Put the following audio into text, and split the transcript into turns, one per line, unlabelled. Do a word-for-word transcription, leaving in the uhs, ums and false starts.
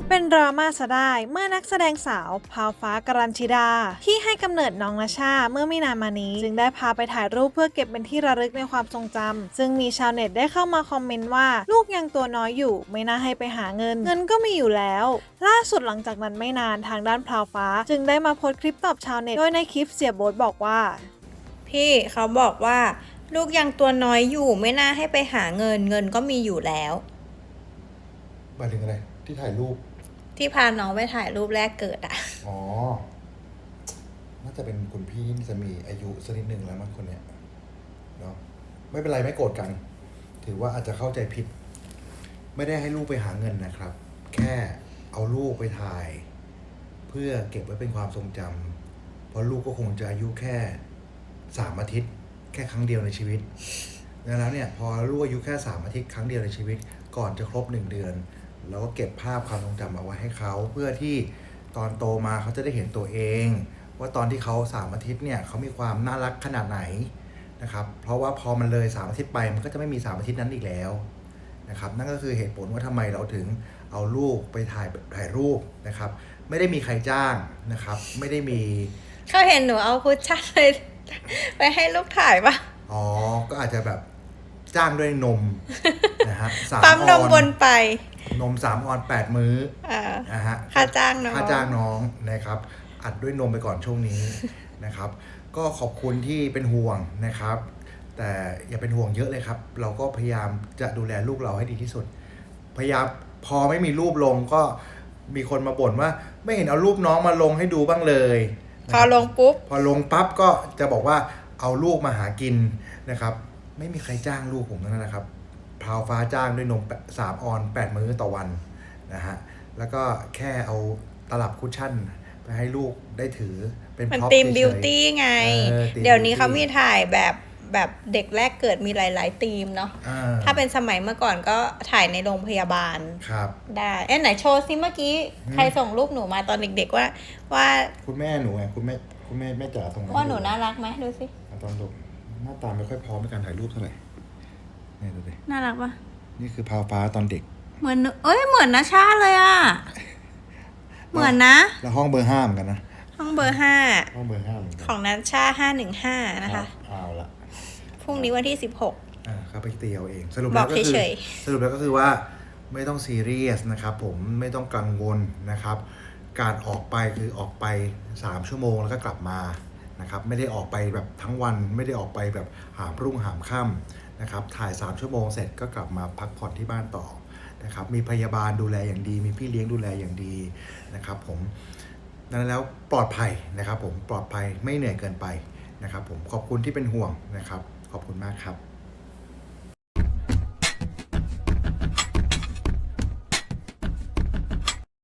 เป็นดราม่าซะได้เมื่อนักแสดงสาวพาวฟ้ากัญชิดาที่ให้กำเนิดน้องนาชาเมื่อไม่นานมานี้จึงได้พาไปถ่ายรูปเพื่อเก็บเป็นที่ระลึกในความทรงจำซึ่งมีชาวเน็ตได้เข้ามาคอมเมนต์ว่าลูกยังตัวน้อยอยู่ไม่น่าให้ไปหาเงินเงินก็มีอยู่แล้วล่าสุดหลังจากนั้นไม่นานทางด้านพาวฟ้าจึงได้มาโพสต์คลิปตอบชาวเน็ตโดยในคลิปเสียโบ๊ทบอกว่า
พี่เขาบอกว่าลูกยังตัวน้อยอยู่ไม่น่าให้ไปหาเงินเงินก็มีอยู่แล้ว
หมายถึงอะไรที่ถ่ายรูป
ที่พาน้องไปถ่ายรูปแรกเกิดอ่ะ
อ๋อน่าจะเป็นคุณพี่จะมีอายุสักนิดหนึ่งแล้วมั้งคนเนี้ยเนาะไม่เป็นไรไม่โกรธกัน ถือว่าอาจจะเข้าใจผิด ไม่ได้ให้ลูกไปหาเงินนะครับ แค่เอาลูกไปถ่าย เพื่อเก็บไว้เป็นความทรงจำเพราะลูกก็คงจะอายุแค่สามอาทิตย์แค่ครั้งเดียวในชีวิตดังนั้นเนี่ยพอลูกอายุแค่สามอาทิตย์ครั้งเดียวในชีวิตก่อนจะครบหนึ่งเดือนเราก็เก็บภาพความทรงจำเอาไว้ให้เขาเพื่อที่ตอนโตมาเขาจะได้เห็นตัวเองว่าตอนที่เขาสามอาทิตย์เนี่ยเขามีความน่ารักขนาดไหนนะครับเพราะว่าพอมันเลยสามอาทิตย์ไปมันก็จะไม่มีสามอาทิตย์นั้นอีกแล้วนะครับนั่นก็คือเหตุผลว่าทำไมเราถึงเอาลูกไปถ่ายถ่ายรูปนะครับไม่ได้มีใครจ้างนะครับไม่ได้มี
เขาเห็นหนูเอาคุชชั่นไปไปให้ลูกถ่ายปะ
อ๋อก็อาจจะแบบจ้างด้วยนมนะฮะ
สามปั๊มนมบนไป
นมสามออนแปดมื้อนะฮะ
ค่าจ้างน้อง
ค่าจ้างน้องนะครับอัดด้วยนมไปก่อนช่วงนี้นะครับก็ขอบคุณที่เป็นห่วงนะครับแต่อย่าเป็นห่วงเยอะเลยครับเราก็พยายามจะดูแลลูกเราให้ดีที่สุดพยายามพอไม่มีรูปลงก็มีคนมาบ่นว่าไม่เห็นเอารูปน้องมาลงให้ดูบ้างเลย
พอลงปุ๊บ
พอลงปั๊บก็จะบอกว่าเอาลูกมาหากินนะครับไม่มีใครจ้างลูกผมนั่นนะครับพาวฟ้าจ้างด้วยนมสามออนแปดมื้อต่อวันนะฮะแล้วก็แค่เอาตลับคุชชั่นไปให้ลูกได้ถือเป็น
มันธีมบิวตี้ไงเดี๋ยวนี้เขามีถ่ายแบบแบบเด็กแรกเกิดมีหลายๆธีมเนาะถ้าเป็นสมัยเมื่อก่อนก็ถ่ายในโรงพยาบาล
ครับ
ได้เอ๊ะไหนโชว์ซิเมื่อกี้ใครส่งรูปหนูมาตอนเด็กๆว่าว่า
คุณแม่หนูไงคุณแม่คุณแม่แม่จ๋าส่ง
ว่าหนูน่ารักไหมดูสิ
ตอนดูหน้าตาไม่ค่อยพร้อมในการถ่ายรูปเท่าไหร่นี่ดูดิ
น่ารักปะ
นี่คือพาวฟ้าตอนเด็ก
เหมือนเอ้ยเหมือนนะชาเลยอ่ะเหมือนนะ
แล้วห้องเบอร์ห้าเหมือนกันนะ
ห้องเบอร์ห้า
ห้องเบอร์ห้าเหมือนกัน
ของนัชชาห้าหนึ่งห้านะคะ
เอาละ
พรุ่งนี้วันที่สิบหก
อ่าครับไปตีเอาเองสรุปแล้วก็คือสรุปแล้วก็คือว่าไม่ต้องซีเรียสนะครับผมไม่ต้องกังวลนะครับการออกไปคือออกไปสามชั่วโมงแล้วก็กลับมานะครับไม่ได้ออกไปแบบทั้งวันไม่ได้ออกไปแบบหามรุ่งหามค่ำนะครับถ่ายสามชั่วโมงเสร็จก็กลับมาพักผ่อนที่บ้านต่อนะครับมีพยาบาลดูแลอย่างดีมีพี่เลี้ยงดูแลอย่างดีนะครับผมนั้นแล้วปลอดภัยนะครับผมปลอดภัยไม่เหนื่อยเกินไปนะครับผมขอบคุณที่เป็นห่วงนะครับขอบคุณมากครับ